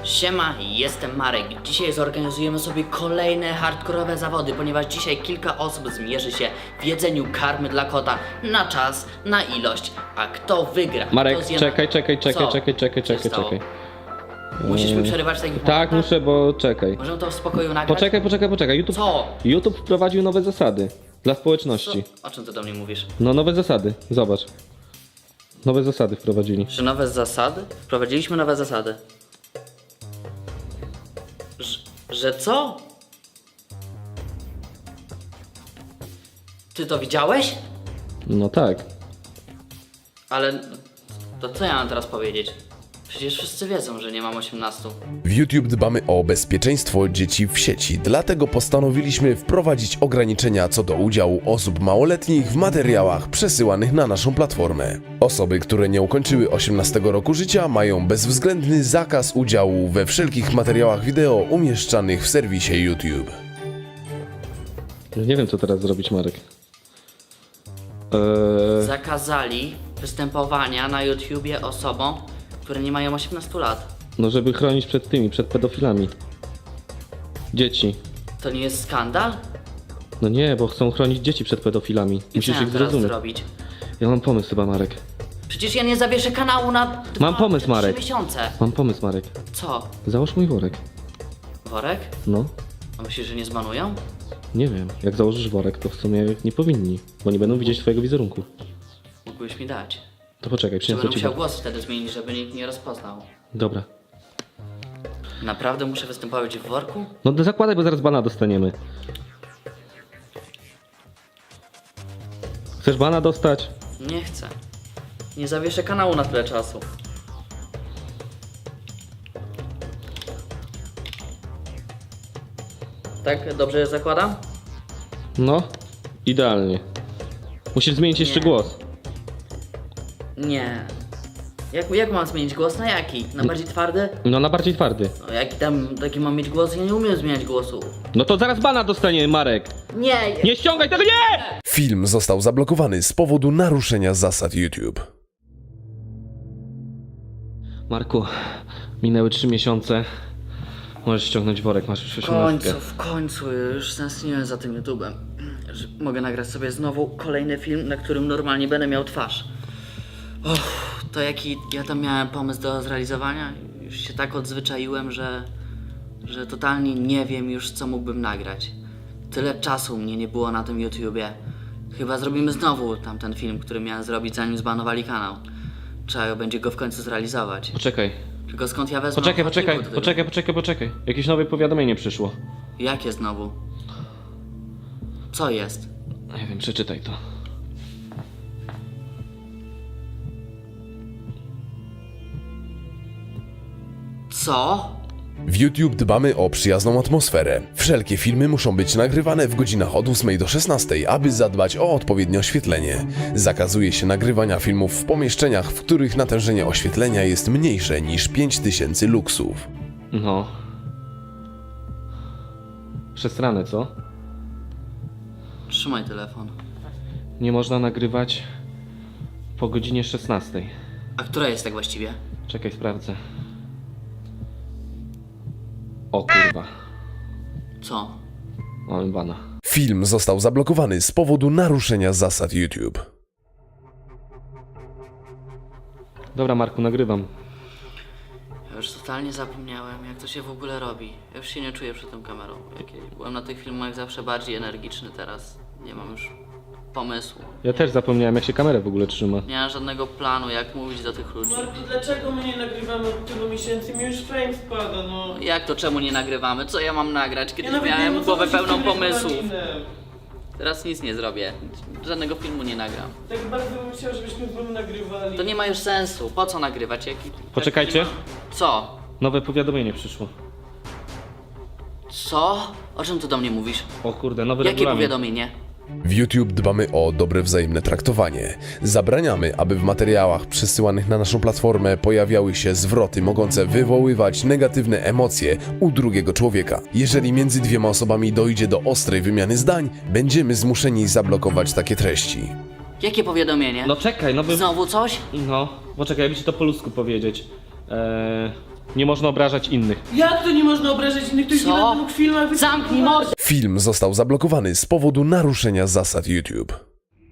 Siema, jestem Marek. Dzisiaj zorganizujemy sobie kolejne hardkorowe zawody, ponieważ dzisiaj kilka osób zmierzy się w jedzeniu karmy dla kota na czas, na ilość. A kto wygra? Marek, kto zje czekaj. Co się stało? Musisz mi przerywać w takich Tak, momentach? muszę, bo czekaj. Możemy to w spokoju nagrać? Poczekaj. Co? YouTube wprowadził nowe zasady dla społeczności. O czym ty do mnie mówisz? No nowe zasady, zobacz. Nowe zasady wprowadzili. Że nowe zasady? Wprowadziliśmy nowe zasady. Że co? Ty to widziałeś? No tak. Ale to co ja mam teraz powiedzieć? Przecież wszyscy wiedzą, że nie mam 18. W YouTube dbamy o bezpieczeństwo dzieci w sieci, dlatego postanowiliśmy wprowadzić ograniczenia co do udziału osób małoletnich w materiałach przesyłanych na naszą platformę. Osoby, które nie ukończyły 18 roku życia, mają bezwzględny zakaz udziału we wszelkich materiałach wideo umieszczanych w serwisie YouTube. Nie wiem co teraz zrobić, Marek. Zakazali występowania na YouTubie osobom, które nie mają 18 lat. No żeby chronić przed pedofilami. Dzieci. To nie jest skandal? No nie, bo chcą chronić dzieci przed pedofilami. I co Musisz ja ich teraz zrozumieć. zrobić? Ja mam pomysł chyba, Marek. Przecież ja nie zawieszę kanału na Mam pomysł, 3 Marek. miesiące. Mam pomysł, Marek. Co? Załóż mój worek. Worek? No. A myślisz, że nie zbanują? Nie wiem. Jak założysz worek, to w sumie nie powinni. Bo nie będą widzieć twojego wizerunku. Mógłbyś mi dać. To poczekaj, Czy przyniosę będę ci musiał worek. głos wtedy zmienić, żeby nikt nie rozpoznał? Dobra. Naprawdę muszę występować w worku? No zakładaj, bo zaraz bana dostaniemy. Chcesz bana dostać? Nie chcę. Nie zawieszę kanału na tyle czasu. Tak, dobrze zakładam? No, idealnie. Musisz zmienić jeszcze Nie. głos. Nie. Jak mam zmienić głos? Na jaki? Na bardziej twardy? No, na bardziej twardy. No, jaki tam taki mam mieć głos? Ja nie umiem zmieniać głosu. No to zaraz bana dostaniemy, Marek. Nie! Nie ściągaj tego, nie! Film został zablokowany z powodu naruszenia zasad YouTube. Marku, minęły 3 miesiące. Możesz ściągnąć worek, masz już 18. W końcu, już tęskniłem za tym YouTubem. Że mogę nagrać sobie znowu kolejny film, na którym normalnie będę miał twarz. To jaki ja tam miałem pomysł do zrealizowania? Już się tak odzwyczaiłem, że totalnie nie wiem już co mógłbym nagrać. Tyle czasu mnie nie było na tym YouTubie. Chyba zrobimy znowu tamten film, który miałem zrobić zanim zbanowali kanał. Trzeba będzie go w końcu zrealizować. Poczekaj. Tylko skąd ja wezmę archiwum do tego? Poczekaj. Jakieś nowe powiadomienie przyszło. Jakie znowu? Co jest? Nie wiem, przeczytaj to. Co? W YouTube dbamy o przyjazną atmosferę. Wszelkie filmy muszą być nagrywane w godzinach od 8 do 16, aby zadbać o odpowiednie oświetlenie. Zakazuje się nagrywania filmów w pomieszczeniach, w których natężenie oświetlenia jest mniejsze niż 5000 luksów. No. Przesrane, co? Trzymaj telefon. Nie można nagrywać po godzinie 16. A która jest tak właściwie? Czekaj, sprawdzę. O kurwa. Co? Mamy bana. Film został zablokowany z powodu naruszenia zasad YouTube. Dobra, Marku, nagrywam. Ja już totalnie zapomniałem, jak to się w ogóle robi. Ja już się nie czuję przed tą kamerą. Byłem na tych filmach zawsze bardziej energiczny, teraz nie mam już pomysłu. Ja też zapomniałem, jak się kamerę w ogóle trzyma. Nie mam żadnego planu, jak mówić do tych ludzi. Marku, dlaczego my nie nagrywamy od tylu miesięcy? Mi już fame spada, no. Jak to, czemu nie nagrywamy? Co ja mam nagrać? Kiedyś nawet nie wiem, miałem o co głowę chodzi z pełną tym pomysłów. regulaminem. Teraz nic nie zrobię. Żadnego filmu nie nagram. Tak bardzo bym chciał, żebyśmy z wami nagrywali. To nie ma już sensu. Po co nagrywać? Poczekajcie. nie ma- Co? Nowe powiadomienie przyszło. Co? O czym ty do mnie mówisz? O kurde, nowy Jakie regulamin. powiadomienie? W YouTube dbamy o dobre wzajemne traktowanie. Zabraniamy, aby w materiałach przesyłanych na naszą platformę pojawiały się zwroty mogące wywoływać negatywne emocje u drugiego człowieka. Jeżeli między dwiema osobami dojdzie do ostrej wymiany zdań, będziemy zmuszeni zablokować takie treści. Jakie powiadomienie? No czekaj, nowy... Znowu coś? No, poczekaj, jakby ci to po ludzku powiedzieć. Nie można obrażać innych. Jak to nie można obrażać innych? To już nie Co? będę mógł w filmach Zamknij mordę! Film został zablokowany z powodu naruszenia zasad YouTube.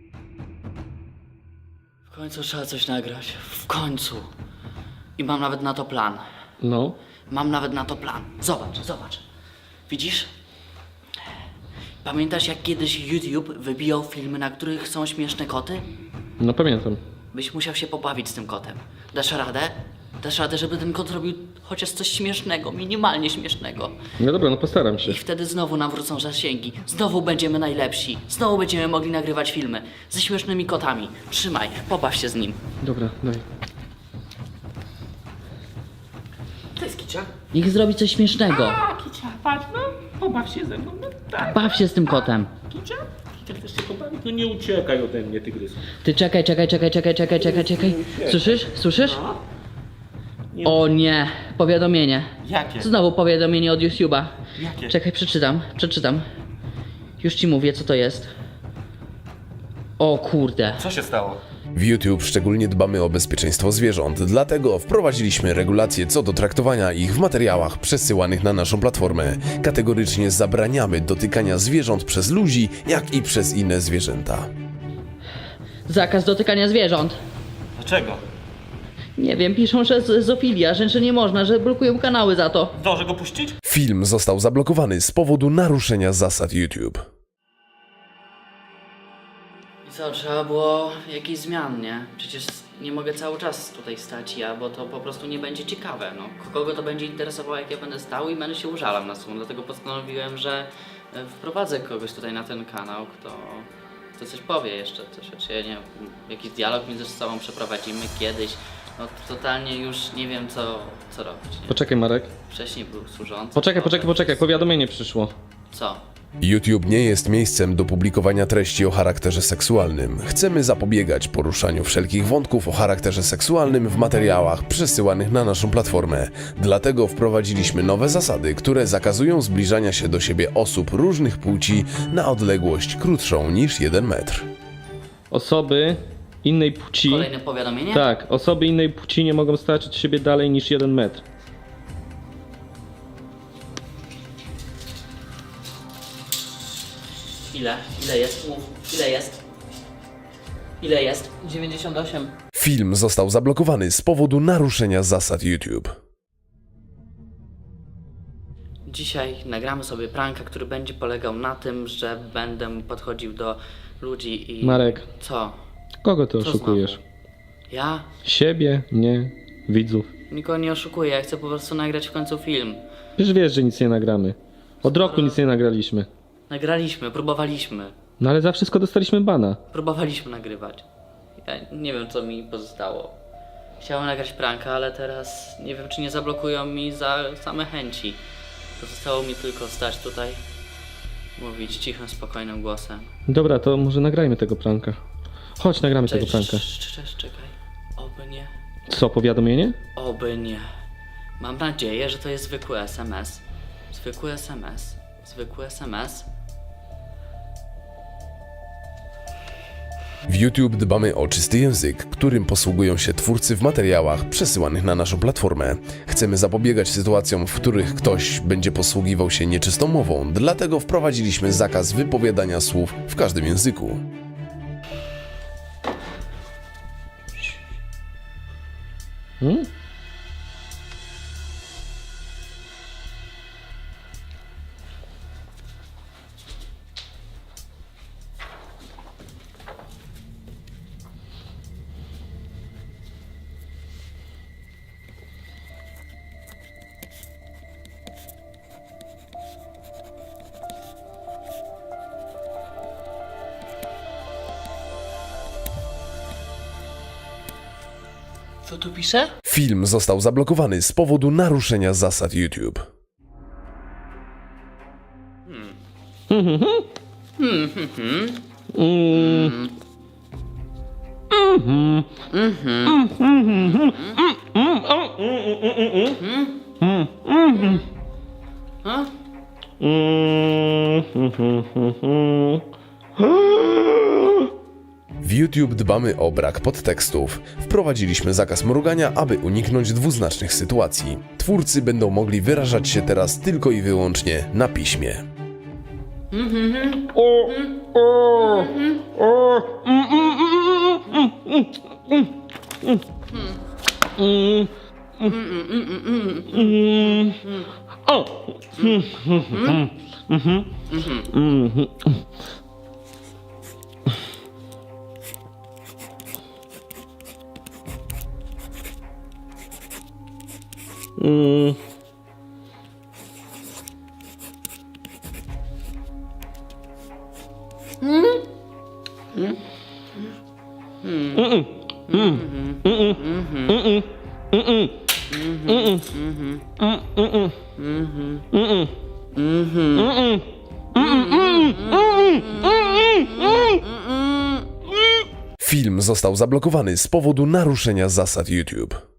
W końcu trzeba coś nagrać. W końcu. I mam nawet na to plan. No. Mam nawet na to plan. Zobacz, zobacz. Widzisz? Pamiętasz, jak kiedyś YouTube wybijał filmy, na których są śmieszne koty? No pamiętam. Byś musiał się pobawić z tym kotem. Dasz radę? Dasz radę, żeby ten kot robił chociaż coś śmiesznego, minimalnie śmiesznego. No dobra, no postaram się. I wtedy znowu nam wrócą zasięgi. Znowu będziemy najlepsi. Znowu będziemy mogli nagrywać filmy ze śmiesznymi kotami. Trzymaj, pobaw się z nim. Dobra, daj. To jest Kicia. Niech zrobi coś śmiesznego. A, Kicia, patrz, no. Pobaw się ze mną, no tak. Baw się z tym kotem. Kicia? Kicia, chcesz się pobawić? No nie uciekaj ode mnie, tygrys. Ty czekaj. Słyszysz? O nie, powiadomienie. Jakie? Znowu powiadomienie od YouTube'a. Jakie? Czekaj, przeczytam. Już ci mówię, co to jest. O kurde. Co się stało? W YouTube szczególnie dbamy o bezpieczeństwo zwierząt, dlatego wprowadziliśmy regulacje co do traktowania ich w materiałach przesyłanych na naszą platformę. Kategorycznie zabraniamy dotykania zwierząt przez ludzi, jak i przez inne zwierzęta. Zakaz dotykania zwierząt. Dlaczego? Nie wiem, piszą, że zoofilia, że nie można, że blokują kanały za to. Zdążę go puścić? Film został zablokowany z powodu naruszenia zasad YouTube. I co, trzeba było jakichś zmian, nie? Przecież nie mogę cały czas tutaj stać ja, bo to po prostu nie będzie ciekawe, no. Kogo to będzie interesowało, jak ja będę stał i będę się użalał na słon, dlatego postanowiłem, że wprowadzę kogoś tutaj na ten kanał, kto coś powie jeszcze, czy ja nie wiem, jakiś dialog między sobą przeprowadzimy kiedyś. No totalnie już nie wiem co robić, nie? Poczekaj, Marek. Wcześniej był służący. Poczekaj, powiadomienie przyszło. Co? YouTube nie jest miejscem do publikowania treści o charakterze seksualnym. Chcemy zapobiegać poruszaniu wszelkich wątków o charakterze seksualnym w materiałach przesyłanych na naszą platformę. Dlatego wprowadziliśmy nowe zasady, które zakazują zbliżania się do siebie osób różnych płci na odległość krótszą niż 1 metr. Osoby innej płci... Kolejne powiadomienie? Tak, osoby innej płci nie mogą stać od siebie dalej niż 1 metr. Ile jest? Mów. Ile jest? 98. Film został zablokowany z powodu naruszenia zasad YouTube. Dzisiaj nagramy sobie pranka, który będzie polegał na tym, że będę podchodził do ludzi i... Marek. Co? Kogo ty Co oszukujesz? znowu? Ja? Siebie, mnie, widzów. Nikogo nie oszukuję, ja chcę po prostu nagrać w końcu film. Przecież wiesz, że nic nie nagramy. Od roku nic nie nagraliśmy. Nagraliśmy, próbowaliśmy. No ale za wszystko dostaliśmy bana. Próbowaliśmy nagrywać. Ja nie wiem, co mi pozostało. Chciałem nagrać pranka, ale teraz nie wiem, czy nie zablokują mi za same chęci. Pozostało mi tylko stać tutaj, mówić cichym, spokojnym głosem. Dobra, to może nagrajmy tego pranka. Chodź, nagramy tego pranka. Czekaj. Oby nie. Co, powiadomienie? Oby nie. Mam nadzieję, że to jest zwykły SMS. Zwykły SMS. W YouTube dbamy o czysty język, którym posługują się twórcy w materiałach przesyłanych na naszą platformę. Chcemy zapobiegać sytuacjom, w których ktoś będzie posługiwał się nieczystą mową, dlatego wprowadziliśmy zakaz wypowiadania słów w każdym języku. Co tu pisze? Film został zablokowany z powodu naruszenia zasad YouTube. W YouTube dbamy o brak podtekstów. Wprowadziliśmy zakaz mrugania, aby uniknąć dwuznacznych sytuacji. Twórcy będą mogli wyrażać się teraz tylko i wyłącznie na piśmie. Film został zablokowany z powodu naruszenia zasad YouTube.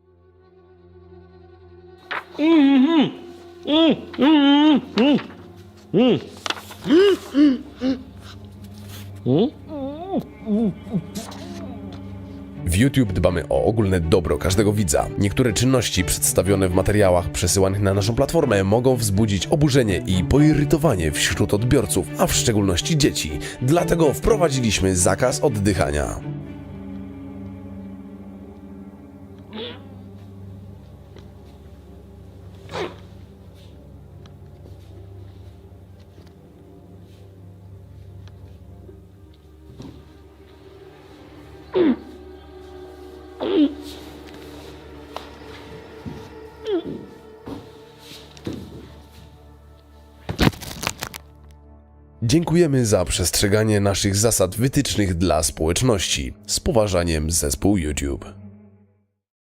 W YouTube dbamy o ogólne dobro każdego widza. Niektóre czynności przedstawione w materiałach przesyłanych na naszą platformę mogą wzbudzić oburzenie i poirytowanie wśród odbiorców, a w szczególności dzieci. Dlatego wprowadziliśmy zakaz oddychania. Dziękujemy za przestrzeganie naszych zasad wytycznych dla społeczności. Z poważaniem, zespół YouTube.